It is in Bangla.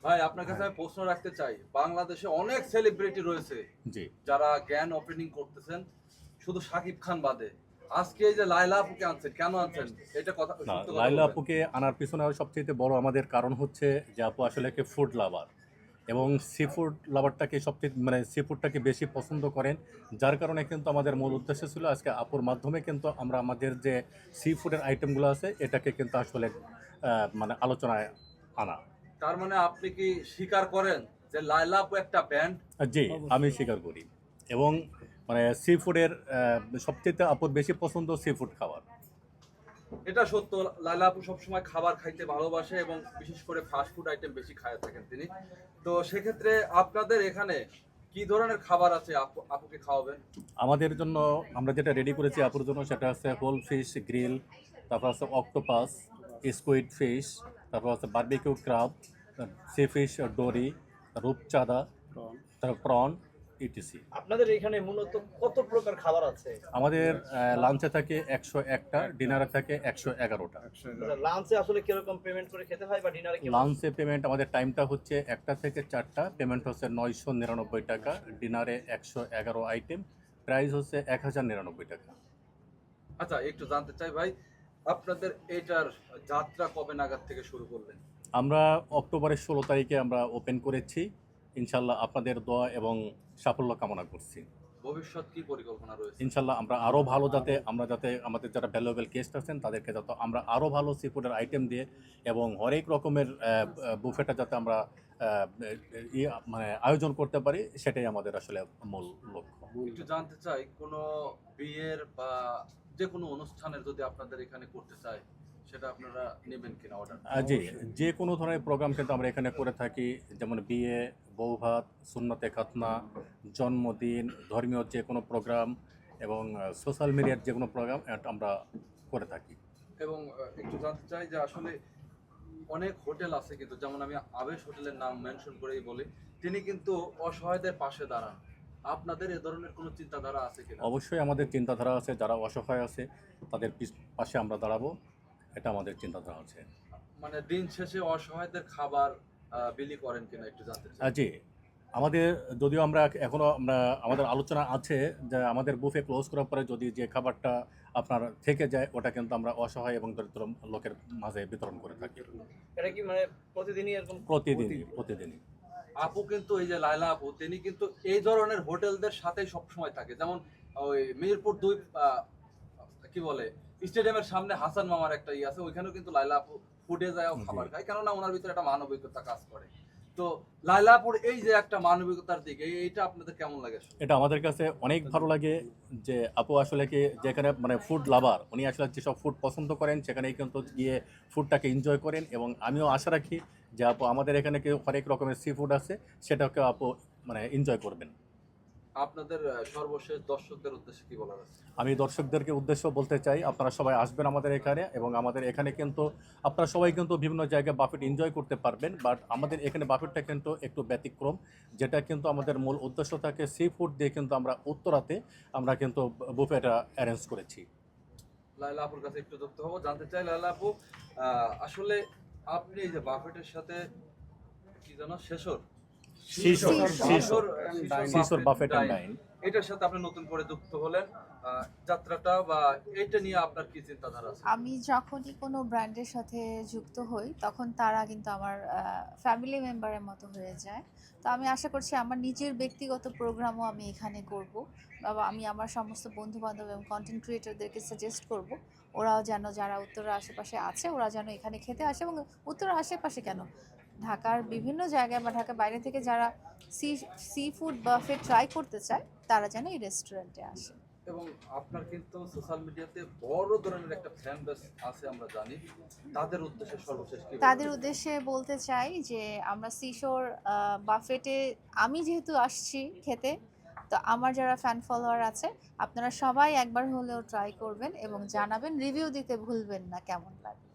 ভাই আপনার কাছে আমি প্রশ্ন রাখতে চাই, বাংলাদেশে অনেক সেলিব্রিটি রয়েছে জি। যারা জ্ঞান ওপেনিং করতেছেন, শুধু শাকিব খান বাদে। আজকে এই যে লায়লা আপুকে আনছেন, কেন আনছেন? এটা কথা, না, সত্য কথা লায়লা বলবেন। আপুকে আনার পিছনে সবচেয়ে বড় আমাদের কারণ হচ্ছে যে আপু আসলে কি ফুড লাভার, এবং সি ফুড লাভারটাকে সবচেয়ে মানে সি ফুডটাকে বেশি পছন্দ করেন। যার কারণে কিন্তু আমাদের মূল উদ্দেশ্য ছিল আজকে আপুর মাধ্যমে কিন্তু আমরা আমাদের যে সি ফুডের আইটেমগুলো আছে এটাকে কিন্তু আসলে মানে আলোচনায় আনা। তার মানে আপনি কি স্বীকার করেন যে লায়লা আপু একটা ব্যান্ড? জি, আমি স্বীকার করি। এবং মানে সি ফুডের সবচেয়ে আপুর বেশি পছন্দ সি ফুড খাবার। এটা সত্য, লায়লা আপু সবসময় খাবার খাইতে ভালোবাসে এবং বিশেষ করে ফাস্ট ফুড আইটেম বেশি খায় থাকেন তিনি। তো সেক্ষেত্রে আপনাদের এখানে কি ধরনের খাবার আছে আপুকে খাওয়াবেন? আমাদের জন্য আমরা যেটা রেডি করেছি আপুর জন্য সেটা হচ্ছে হোল ফিশ গ্রিল, তারপর হচ্ছে অক্টোপাস, স্কুইড ফিশ, তারপর হচ্ছে barbecue crab, sea fish dory, রূপচাঁদা, তারপর প্রন, ইটিসি। আপনাদের এখানে মূলত কত প্রকার খাবার আছে? আমাদের লাঞ্চে থাকে 101টা, ডিনারে থাকে 111টা। লাঞ্চে আসলে কিরকম পেমেন্ট করে খেতে হয় বা ডিনারে কি? লাঞ্চে পেমেন্ট আমাদের টাইমটা হচ্ছে 1টা থেকে 4টা, পেমেন্ট হচ্ছে 999 টাকা, ডিনারে 111 আইটেম, প্রাইস হচ্ছে 1099 টাকা। আচ্ছা, একটু জানতে চাই ভাই, আপনাদের এটার যাত্রা কবে নাগাদ থেকে শুরু করলেন? আমরা অক্টোবরের 16 তারিখে আমরা ওপেন করেছি। ইনশাল্লাহ আপনাদের দোয়া এবং সাফল্য কামনা করছি। ভবিষ্যৎ কি পরিকল্পনা রয়েছে? ইনশাল্লাহ আমরা আরও ভালো যাতে আমাদের যারা ভ্যালুয়েবল গেস্ট আছেন তাদেরকে যাতে আমরা আরও ভালো সি ফুডের আইটেম দিয়ে এবং হরেক রকমের বুফেটা যাতে আমরা মানে আয়োজন করতে পারি, সেটাই আমাদের আসলে মূল লক্ষ্য। একটু জানতে চাই, কোনো বিয়ের বা যে কোনো অনুষ্ঠানের যদি আপনাদের এখানে করতে চাই, সেটা আপনারা নেবেন কিনা অর্ডার? জি, যে কোনো ধরনের প্রোগ্রাম কিন্তু আমরা এখানে করে থাকি, যেমন বিয়ে, বৌভাত, সুন্নতে খাতনা, জন্মদিন, ধর্মীয় যে কোনো প্রোগ্রাম এবং সোশ্যাল মিডিয়ার যে কোনো প্রোগ্রাম আমরা করে থাকি। এবং একটু জানতে চাই যে আসলে অনেক হোটেল আছে কিন্তু, যেমন আমি আবেশ হোটেলের নাম মেনশন করেই বলি, তিনি কিন্তু অসহায়দের পাশে দাঁড়ান। আপনাদের এ ধরনের কোনো চিন্তাধারা আছে কিনা? অবশ্যই আমাদের চিন্তাধারা আছে, যারা অসহায় আছে তাদের পাশে আমরা দাঁড়াবো, এটা আমাদের চিন্তাধারা আছে। মানে দিন শেষে অসহায়দের খাবার বিলি করেন কিনা একটু জানতে চাই। জি, আমাদের যদিও আমরা এখনও আমাদের আলোচনা আছে যে আমাদের বুফে ক্লোজ করার পরে যদি যে খাবারটা আপনার থেকে যায় ওটা কিন্তু আমরা অসহায় এবং দরিদ্র লোকের মাঝে বিতরণ করে থাকি এটা কি মানে প্রতিদিনই এরকম? প্রতিদিনই। আপু কিন্তু, এই যে লায়লা আপু, তিনি কিন্তু এই ধরনের হোটেলদের সাথেই সবসময় থাকে। যেমন ওই মিরপুর 2 কি বলে স্টেডিয়ামের সামনে হাসান মামার একটা আছে, ওইখানেও কিন্তু লায়লা আপু ফুডে যায় খাবার খায়, কেননা ওনার ভিতরে একটা মানবিকতা কাজ করে। তো লায়লা আপুর এই যে একটা মানবিকতার দিক, এইটা আপনাদের কেমন লাগে? এটা আমাদের কাছে অনেক ভালো লাগে যে আপু আসলে কি যেখানে মানে ফুড লাভার, উনি আসলে যেসব ফুড পছন্দ করেন সেখানেই কিন্তু গিয়ে ফুডটাকে এনজয় করেন, এবং আমিও আশা রাখি যে আপু আমাদের এখানে কি হরেক রকমের সি ফুড আছে সেটাকে আপু মানে এনজয় করবেন। আপনাদের সর্বশেষ দর্শকদের উদ্দেশ্যে কি বলার আছে? আমি দর্শকদেরকে উদ্দেশ্য বলতে চাই, আপনারা সবাই আসবেন আমাদের এখানে, এবং আমাদের এখানে কিন্তু আপনারা সবাই কিন্তু বিভিন্ন জায়গায় বাফেট এনজয় করতে পারবেন, বাট আমাদের এখানে বাফেটটা কিন্তু একটু ব্যতিক্রম, যেটা কিন্তু আমাদের মূল উদ্দেশ্য থাকে সি ফুড দিয়ে কিন্তু আমরা উত্তরাতে আমরা কিন্তু বুফেটা অ্যারেঞ্জ করেছি। লায়লা আপুর কাছে একটু যুক্ত হবো, জানতে চাই লায়লা আপু, আসলে আপনি এই যে বাফেটের সাথে কি জানো শেষর শিশোর বাফেট অ্যান্ড ডাইন, এটার সাথে আপনি নতুন করে যুক্ত হলেন, যাত্রাটা বা এটা নিয়ে আপনার কি চিন্তাধারা আছে? আমি যখনই কোনো ব্র্যান্ডের সাথে যুক্ত হই তখন তারা কিন্তু আমার ফ্যামিলি মেম্বারের মতো হয়ে যায়। তো আমি আশা করছি আমার নিজের ব্যক্তিগত প্রোগ্রামও আমি এখানে করব, বা আমি আমার সমস্ত বন্ধু বান্ধব এবং কন্টেন্ট ক্রিয়েটরদেরকে সাজেস্ট করব ওরাও যেন, যারা উত্তরের আশেপাশে আছে ওরা যেন এখানে খেতে আসে, এবং উত্তরের আশেপাশে কেন, ঢাকার বিভিন্ন জায়গায় বা ঢাকার বাইরে থেকে যারা সি ফুড বাফে ট্রাই করতে চায় তারা যেন এই রেস্টুরেন্টে আসে। এবং আপনার কিন্তু সোশ্যাল মিডিয়াতে বড় ধরনের একটা ফ্যান বেস আছে আমরা জানি, তাদের উদ্দেশ্যে সর্বশেষ কি তাদের বলবেন? উদ্দেশ্যে বলতে চাই যে আমরা সিশোর বাফেটে আমি যেহেতু আসছি খেতে, তো আমার যারা ফ্যান ফলোয়ার আছে আপনারা সবাই একবার হলেও ট্রাই করবেন এবং জানাবেন, রিভিউ দিতে ভুলবেন না কেমন লাগে।